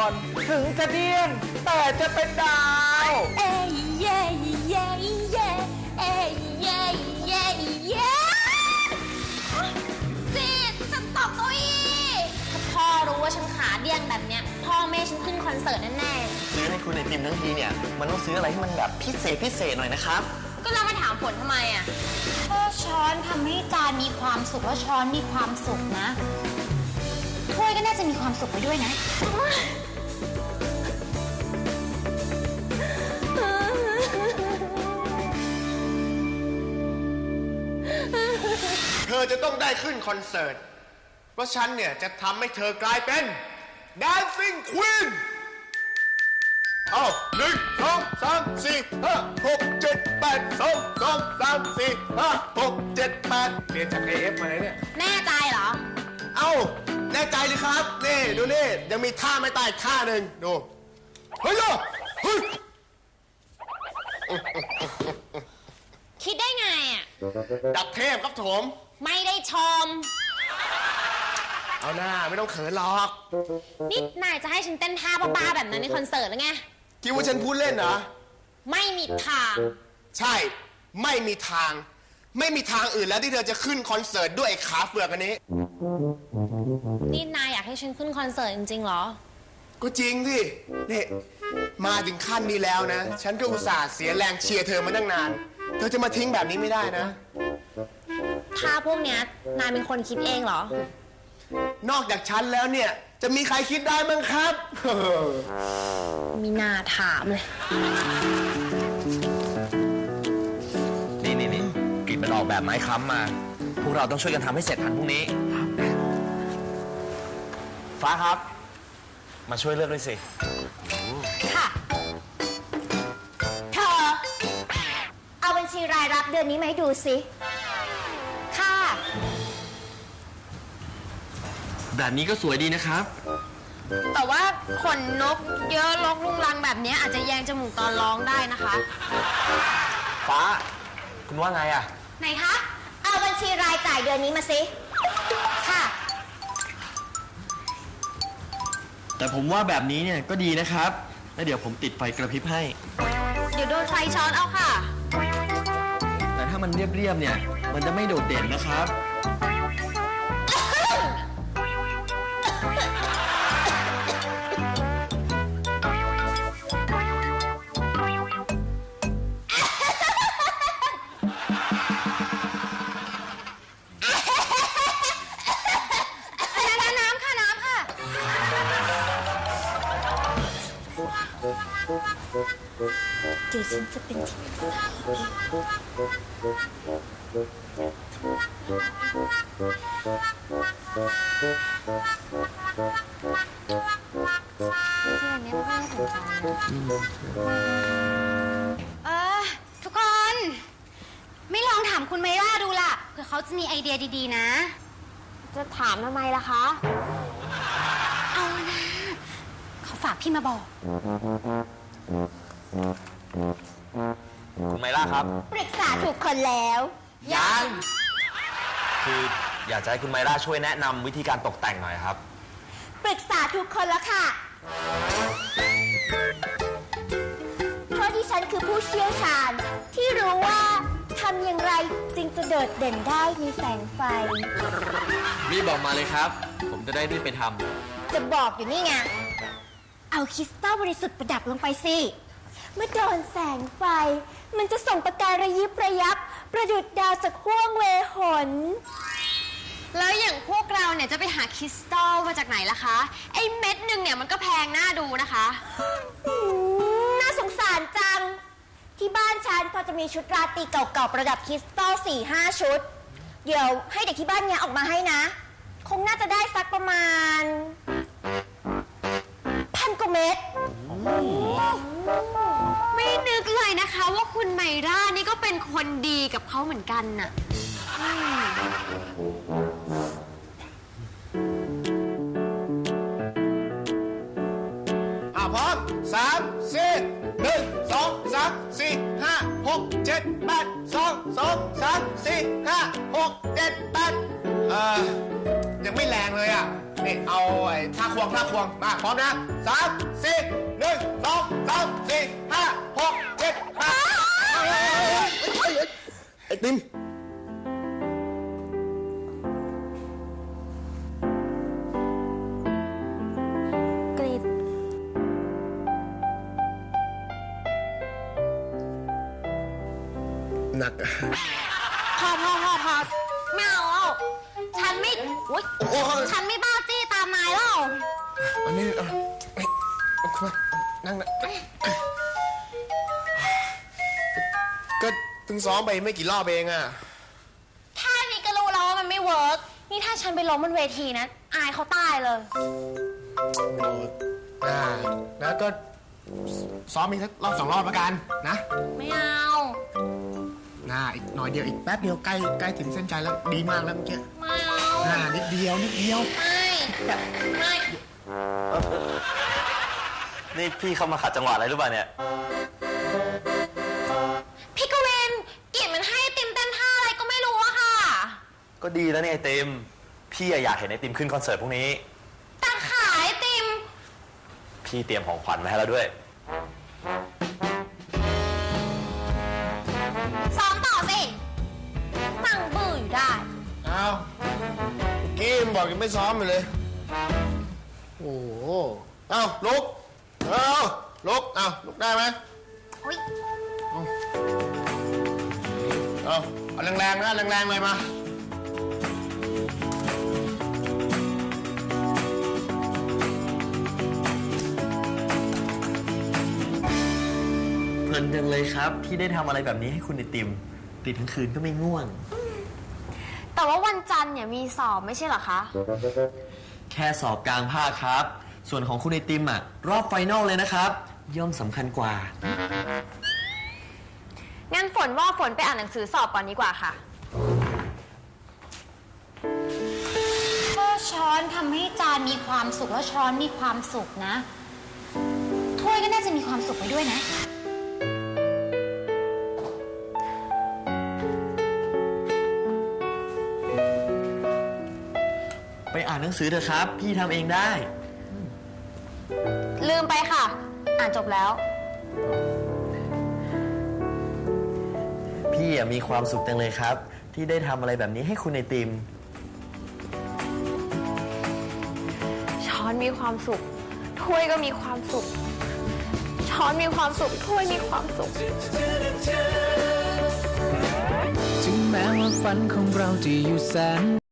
ถึงจะเดี้ยงแต่จะเป็นดาวเอ้ยเย่เย่เย่เอ้ยเย่เย่เย่จีฉันตกเก้าอี้ถ้าพ่อรู้ว่าฉันขาเดี้ยงแบบเนี้ยพ่อแม่ฉันขึ้นคอนเสิร์ตแน่ๆซื้อให้คุณไอติมทั้งทีเนี่ยมันต้องซื้ออะไรที่มันแบบพิเศษหน่อยนะครับก็เรามาถามผลทำไมอ่ะถ้าช้อนทำให้จานมีความสุขแล้วช้อนมีความสุขนะถ้วยก็น่าจะมีความสุขไปด้วยนะเธอจะต้องได้ขึ้นคอนเสิร์ตเพราะฉันเนี่ยจะทำให้เธอกลายเป็น Dancing Queen เอา1 2 3 4 5 6 7 8 2 2 3 4 5 6 7 8เรียนจาก AF มาเลยเนี่ยแน่ใจเหรอเอ้าแน่ใจเลยครับ นี่ดูนี่ยังมีท่าไม่ตายท่าหนึ่งดูเฮ้ยเฮ้ยคิดได้ไงอ่ะดับเทพครับผมไม่ได้ชมเอาหน้าไม่ต้องเขินหรอกนี่นายจะให้ฉันเต้นท่าบ้าๆแบบนั้นในคอนเสิร์ตหรือไงคิดว่าฉันพูดเล่นเหรอไม่มีทางใช่ไม่มีทาง ไม่มีทางอื่นแล้วที่เธอจะขึ้นคอนเสิร์ตด้วยไอ้ขาเฟือกอันนี้นี่นายอยากให้ฉันขึ้นคอนเสิร์ตจริงๆเหรอก็จริงที่นี่มาถึงขั้นนี้แล้วนะ ฉันก็อุตส่าห์เสียแรงเชียร์เธอมาตั้งนาน เธอจะมาทิ้งแบบนี้ไม่ได้นะท่าพวกเนี้ยนายเป็นคนคิดเองเหรอนอกจากฉันแล้วเนี่ย จะมีใครคิดได้มั้งครับมีนาถามเลยนี่กรีดมันออกแบบไม้ค้ำมา พวกเราต้องช่วยกันทำให้เสร็จทันพรุ่งนี้ ฟ้าครับ มาช่วยเลือกด้วยสิค่ะ เธอ เอาบัญชีรายรับเดือนนี้มาให้ดูสิ ค่ะแบบนี้ก็สวยดีนะครับแต่ว่าขนนกเยอะลกลุงลังแบบนี้อาจจะแยงจมูกตอนร้องได้นะคะฟ้า คุณว่าไงอะไหนคะ เอาบัญชีรายจ่ายเดือนนี้มาสิ ค่ะแต่ผมว่าแบบนี้เนี่ยก็ดีนะครับ แล้วเดี๋ยวผมติดไฟกระพริบให้เดี๋ยวโดนไฟช็อตเอาค่ะแต่ถ้ามันเรียบๆเนี่ย มันจะไม่โดดเด่นนะครับน้ำค่ะ น้ำค่ะ เดี๋ยวฉันจะเป็นที่ปรึกษาทุกคน ไม่ลองถามคุณไมร่าดูล่ะ เผื่อเขาจะมีไอเดียดีๆนะ จะถามทำไมล่ะคะ เอานะเขาฝากพี่มาบอกคุณไมล่าครับปรึกษาถูกคนแล้วยังคืออยากจะให้คุณไมล่าช่วยแนะนำวิธีการตกแต่งหน่อยครับปรึกษาทุกคนแล้วค่ะ เพราะดิฉันคือผู้เชี่ยวชาญที่รู้ว่าทำอย่างไรจึงจะโดดเด่นได้ในแสงไฟรีบบอกมาเลยครับ ผมจะได้รีบไปทจะบอกอยู่นี่ไง เอาคริสตัลบริสุทธิ์ประดับลงไปสิ เมื่อโดนแสงไฟ มันจะส่งประกายระยิบระยับ ประดุจดาวจากห้วงเวหน แล้วอย่างพวกเราเนี่ยจะไปหาคริสตัลมาจากไหนล่ะคะ ไอ้เม็ดหนึ่งเนี่ยมันก็แพงน่าดูนะคะน่าสงสารจัง ที่บ้านฉันพอจะมีชุดราตรีเก่าๆประดับคริสตัล 4-5 ชุด เดี๋ยวให้เด็กที่บ้านเนี่ยออกมาให้นะ คงน่าจะได้สักประมาณ 1,000 กว่าเม็ดไม่นึกเลยนะคะว่าคุณไมร่านี่ก็เป็นคนดีกับเขาเหมือนกันน่ะพร้อม3 4 1 2 3 4 5 6 7 8 2 2 3 4 5 6 7 8ยังไม่แรงเลยอ่ะนี่เอาไอ้ท่าควงมาพร้อมนะ3 4 1 2 3 4 5 6 7 8ไอ้ติมกรีดหนักพอไม่เอาแล้วฉันไม่อุ๊ยโอ้ยฉันไม่บ้าจี้ตามนายแล้วอันนี้เอาขึ้นมานั่งนะก็เพิ่งซ้อมไปไม่กี่รอบเองอะแค่นี้ก็รู้แล้วว่ามันไม่เวิร์กนี่ถ้าฉันไปล้มบนเวทีนะอายเขาตายเลยโอ้นะก็ซ้อมอีกสักรอบ2 รอบแล้วกันนะไม่เอาอีกหน่อยเดียวอีกแป๊บเดียวใกล้ถึงเส้นใจแล้วดีมากแล้วเมื่อกี้ไม่เอานิดเดียวไม่นี่พี่เข้ามาขัดจังหวะอะไรหรือเปล่าเนี่ยพี่กวินกิจมันให้ติมเต้นท่าอะไรก็ไม่รู้อะค่ะก็ดีแล้วเนี่ยไอติมพี่อยากเห็นไอติมขึ้นคอนเสิร์ตพรุ่งนี้แต่ขายติมพี่เตรียมของขวัญมาให้แล้วด้วยซ้อมต่อสิฟังบื้ออยู่ได้เอาเมื่อกี้มันบอกยังไม่ซ้อมอยู่เลย โอ้โหเอาลุกลุกได้ไหมอุ๊ยเอาแรงๆนะแรงๆเลยมาเพลินจังเลยครับที่ได้ทำอะไรแบบนี้ให้คุณไอติมติดทั้งคืนก็ไม่ง่วงแต่ว่าวันจันทร์เนี่ยมีสอบไม่ใช่เหรอคะแค่สอบกลางภาคครับ ส่วนของคุณไอติมอ่ะรอบไฟนอลเลยนะครับ ย่อมสำคัญกว่างั้นฝนว่าฝนไปอ่านหนังสือสอบก่อนดีกว่าค่ะถ้าช้อนทำให้จานมีความสุขแล้วช้อนมีความสุขนะ ถ้วยก็น่าจะมีความสุขไปด้วยนะไปอ่านหนังสือเถอะครับ พี่ทำเองได้ลืมไปค่ะ อ่านจบแล้วพี่มีความสุขจังเลยครับ ที่ได้ทำอะไรแบบนี้ให้คุณไอติมช้อนมีความสุข ถ้วยก็มีความสุข ช้อนมีความสุข ถ้วยมีความสุขถึงแม้ว่าฝันของเราจะอยู่แสน